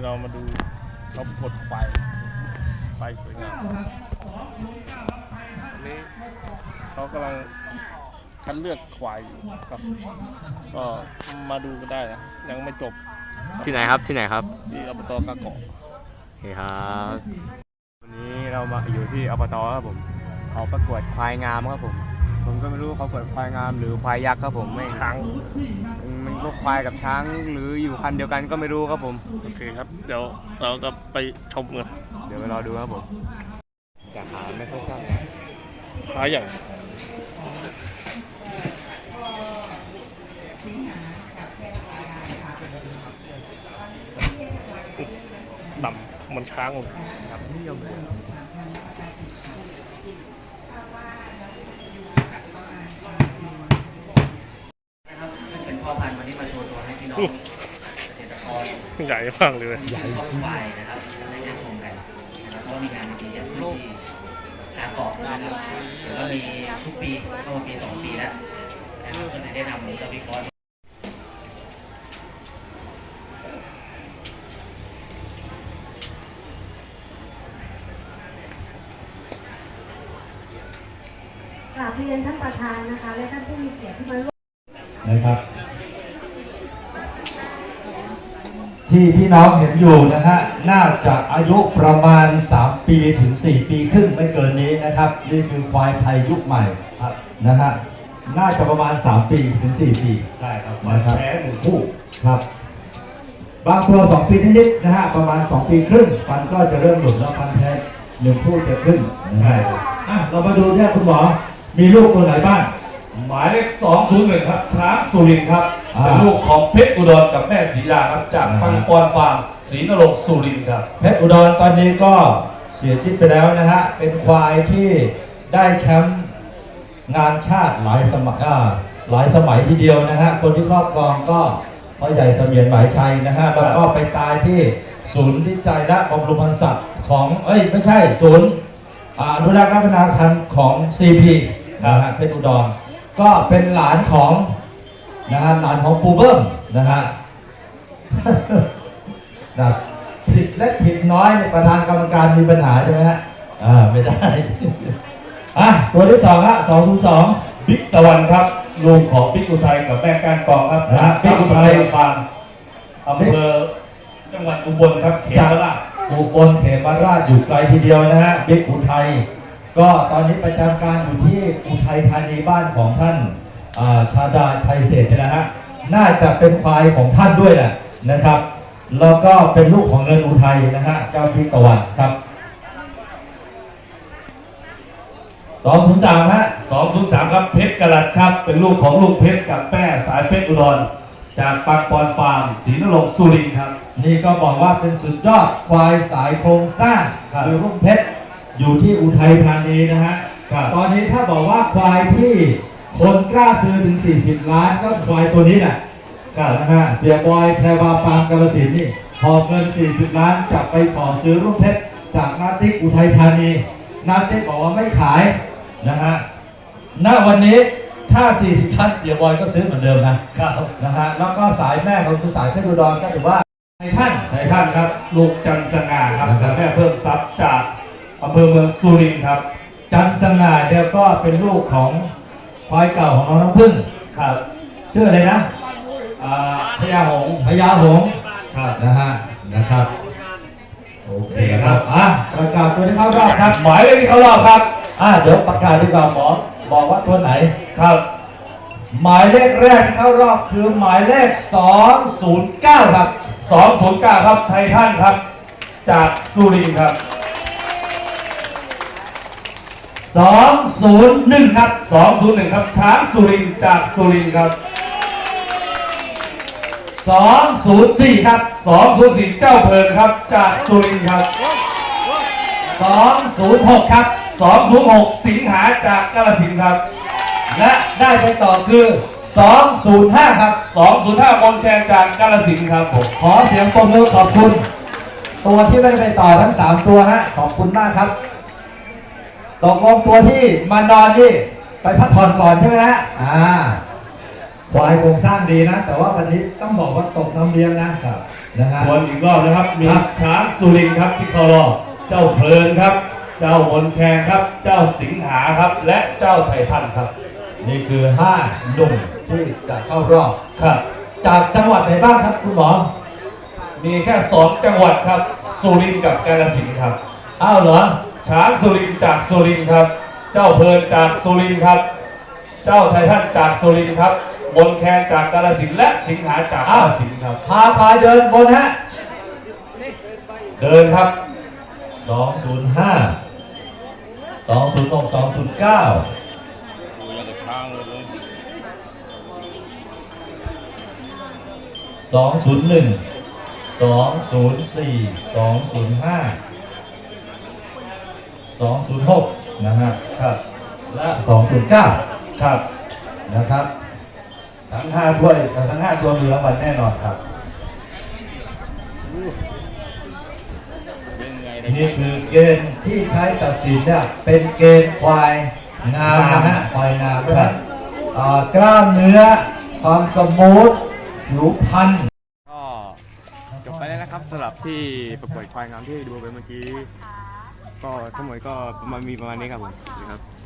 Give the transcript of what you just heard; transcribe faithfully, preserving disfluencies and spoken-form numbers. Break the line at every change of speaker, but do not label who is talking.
เรามาดูเขาประกวดควายควายสวยงามอันนี้เขากำลังคัดเลือกควายอยู่ครับก็มาดูกันได้นะยังไม่จบ
ที่ไหนครับที่ไหนครับ
ที่อบตกะเกาะ
โอเคครับวันนี้เรามาอยู่ที่อบตครับผมเขาประกวดควายงามครับผมผมก็ไม่รู้เขาประกวดควายงามหรือควายยักษ์ครับผมไม่
ช้าง
มันก็ควายกับช้างหรืออยู่พันเดียวกันก็ไม่รู้ครับผม
โอเคครับเดี๋ยวเราจะไปชมกัน
เดี๋ยวไปรอดูครับผมแต่ขาไม่ค่อยสั้นนะ
ขาใหญ่ดำเหมือนช้างเลย
ครับนิยมเลย
เป็นพ่อพันธุ์วันนี้มาโชว์ตัวให้พี่น้องเกษตรกร
ใหญ่มากเลย
ใหญ่จริงๆนะครับได้ได้ชมกันนะครับเพราะมีงานจริงๆอย่างที่กาเกาะนะครับเดี๋ยวก็มีทุกปีก็มาปีสองปีแล้วนะครับก็เลยได้นำกระบี่กร
กราบเรียนท่านประธานนะคะและท่านผู้มีเกียรติที่มาร่วม
นะครับที่พี่น้องเห็นอยู่นะฮะน่าจะอายุประมาณสามปีถึงสี่ปีครึ่งไม่เกินนี้นะครับนี่คือควายไทยยุคใหม่ครับนะฮะน่าจะประมาณสามปีถึงสี่ปี
ใช่ครับนะครับแท้หนึ่งคู่
ครับบางตัวสองปีนิดๆนะฮะประมาณสองปีครึ่งฟันก็จะเริ่มหลุดแล้วฟันแท้หนึ่งคู่จะขึ้นใช่ครับอ่ะเรามาดูที่คุณหมอมีลูกตัวไหนบ้าง
หมายเลขสองศูนย์หนึ่งครับช้างสุรินทร์ครับเป็นลูกของเพชรอุดรกับแม่ศรีดาครับจากปังปอนฟาร์มศรีนรงค์สุรินทร์ครับ
เพชรอุดรตอนนี้ก็เสียชีวิตไปแล้วนะฮะเป็นควายที่ได้แชมป์งานชาติหลายสมัยหลายสมัยทีเดียวนะฮะคนที่ครอบครองก็พ่อใหญ่เสมียนหมายชัยนะฮะแล้วก็ไปตายที่ศูนย์วิจัยและบำรุงพันธุ์สัตว์ของเอ้ยไม่ใช่ศูนย์อนุรักษ์และพัฒนาพันธุ์ของ ซี พี นะฮะเพชรอุดรก็เป็นหลานของนะฮะหลานของปูเบิ้มนะฮะนะผิดเล็กผิดน้อยประธานกรรมการมีปัญหาใช่ไหมฮะอ่าไม่ได้อ่ะตัวที่สองฮะสองศูนย์สอง
บิ๊กตะวันครับลูกของบิ๊กอุทัยกับแม่ก้านกองครับ
นะบิ๊กอุทัย
ฟาร์มอำเภอจังหวัดอุบลครับเขมราช
อุบลเขมราชอยู่ไกลทีเดียวนะฮะบิ๊กอุทัยก็ตอนนี้ประจำการอยู่ที่อุทัยธานีบ้านของท่านชาดาไทยเศรษฐ์นะฮะน่าจะเป็นควายของท่านด้วยแหละนะครับแล้วก็เป็นลูกของเงินอุทัยนะฮะเจ้าบิ๊กตะวันครับสองศูนย์สามฮะ
สองศูนย์สามครับเพชรกระลัดครับเป็นลูกของลุงเพชรกับแม่สายเพชรอุดรจากปังปอนฟาร์มศรีนรงค์สุรินทร์ครับ
นี่ก็บอกว่าเป็นสุดยอดควายสายโครงสร้างคือลุงเพชรอยู่ที่อุทัยธานีนะฮะตอนนี้ถ้าบอกว่าควายที่คนกล้าซื้อถึงสี่สิบล้านก็ควายตัวนี้แหละนะฮะเสียบอยแพรวาฟาร์มกาฬสินธุ์นี่พอเงินสี่สิบล้านจะไปขอซื้อรุ่งเพชรจากนาติ๊กอุทัยธานีนาติ๊กบอกว่าไม่ขายนะฮะณวันนี้ถ้าสี่สิบล้านเสียบอยก็ซื้อเหมือนเดิมนะครับนะฮะแล้วก็สายแม่ของคุณสายเพชรอุดรก็ถือว่าในท่าน
ในท่านครับลูกจันทร์สง่าครับแม่เพิ่มทรัพย์จากอำเภอเมืองสุรินทร์ครับ
จันทร์สง่าเดียวก็เป็นลูกของควายเก่าของน้องน้ำพึ่ง
ครับ
ชื่ออะไรนะ
พญาหงส์
พญาหงส์ครับนะฮะนะครับโอเคครับอ่ะประกาศตัวที่เข้ารอบครับ
หมายเลขที่เข้ารอบครับ
อ่ะเดี๋ยวประกาศดีกว่าหมอบอกว่าตัวไหน
ครับ
หมายเลขแรกที่เข้ารอบคือหมายเลขสองศูนย์เก้าครับ
สองศูนย์เก้าครับไททันครับจากสุรินทร์ครับ
สองศูนย์หนึ่งครับ
สองศูนย์หนึ่งครับช้างสุรินทร์จากสุรินทร์ครับ
สองศูนย์สี่ครับ
สองศูนย์สี่เจ้าเพลินครับจากสุรินทร์ครับ
สองศูนย์หกครับ
สองศูนย์หกสิงหาจากกาฬสินธุ์ครับ
และได้ไปต่อคือสองศูนย์ห้าครับ
สองศูนย์ห้ามนแคนจากกาฬสินธุ์ครับผม
ขอเสียงปรบมือขอบคุณตัวที่ไม่ได้ไปต่อทั้งสามตัวฮะขอบคุณมากครับตกลงตัวที่มานอนนี่ไปพักผ่อนก่อนใช่ไหมฮะอ่าควายโครงสร้างดีนะแต่ว่าวันนี้ต้องบอกว่าตกน้ำเลี้ยงนะครับนะฮะ
ทวนอีกรอบนะครับ มี
ครับ
ช้างสุรินทร์ครับที่เข้ารอบเจ้าเพลินครับ เจ้ามนแคนครับ เจ้าสิงหาครับ และเจ้าไททันครับ
นี่คือห้าหนุ่มที่จะเข้ารอบ
ครับ
จากจังหวัดไหนบ้างครับคุณหมอ
มีแค่สองจังหวัดครับ สุรินทร์กับกาฬสินธุ์ครับ
อ้าวเหรอ
ช้างสุรินทร์จากสุรินทร์ครับ เจ้าเพลินจากสุรินทร์ครับ เจ้าไททันจากสุรินทร์ครับมนแคนจากกาฬสินธุ์และสิงหาจากกาฬสินธุ์ครับ
พาพายเดินบนฮะ
เดินครับ
สองศูนย์ห้า สองศูนย์หก สองศูนย์เก้า
ดูอย่างกับช้างเลย
สองศูนย์หนึ่ง สองศูนย์สี่ สองศูนย์ห้า สองศูนย์หกนะฮะ
ครับ
และสองศูนย์เก้า
ครับ
นะครับ
ทั้งห้าถ้วยทั้งห้าตัวมีรางวัลแน่นอนครับ
เป็นไง
นี่คือเกณฑ์ที่ใช้ตัดสินเนี่ยเป็นเกณฑ์ควายงามนะฮะควายงามเพราะฉะนั้นอ่ากล้ามเนื้อความสมูทผิวพรรณ
ก็จบไปแล้วนะครับสำหรับที่ประกวดควายงามที่ดูไปเมื่อกี้ ก็ทั้งหมดก็ประมาณมีประมาณนี้ครับผมนะครับ